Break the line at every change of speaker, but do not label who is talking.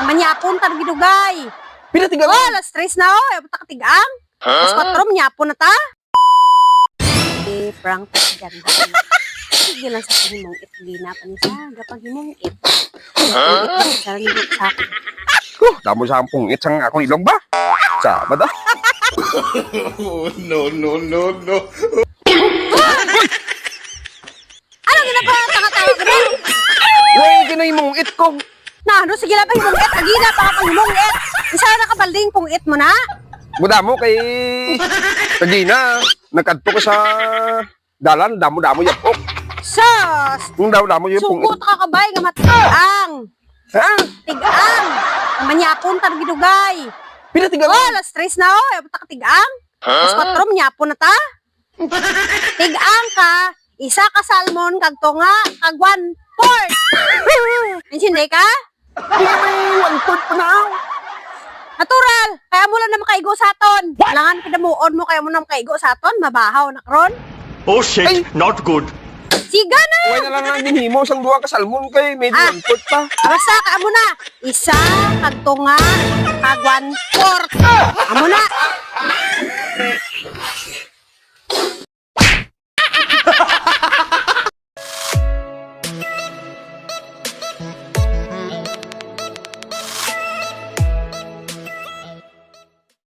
Manyapon tar gidugay.
Pinatigang.
Oh, alas 3 na oh. Ay, buta katigang. Alas 4, manyapon na ta. Prank ta si ganda. Sige lang sa himong it. Gina pa niya sa gapang himong it. Sarang himong sa akin.
Damo sa ampong itsang akong ilong ba? Sama da.
No.
Ano ginagawa? Tanga-tanga ka ba?
Uy, ginoy mong it ko.
Na, ano? Sige lang pa himong it. Agina pa ka himong it. Isa na nakabalding pong it mo na.
Damo kay Regina. Nagkadto ko sa dalan. Damo-damo yapok.
Sus!
Yung damo-damo yung pong
Sugot ka kabay nga matigang.
Ha?
Tigang. Manyapon tar gidugay.
Pinatigang.
Oh, alas 3 na oh. Ay, buta katigang. Alas 4, manyapon na ta. Tigang ka. Isa ka salmon, kag tunga, kag 1/4. Insindi ka?
One-fourth pa na.
Natural. Kaya mo lang na makaigo sa aton. Langan kinamuon mo, kaya mo na makaigo sa aton. Mabahaw na karon.
Oh shit,
Ay.
not good.
Siga na.
Uy na lang nga ginhimo sang duha ka salmon kay medyo
Ah.
one-fourth pa.
Arasa ka mo na. Isa, kag tunga, kag 1/4. Amo na.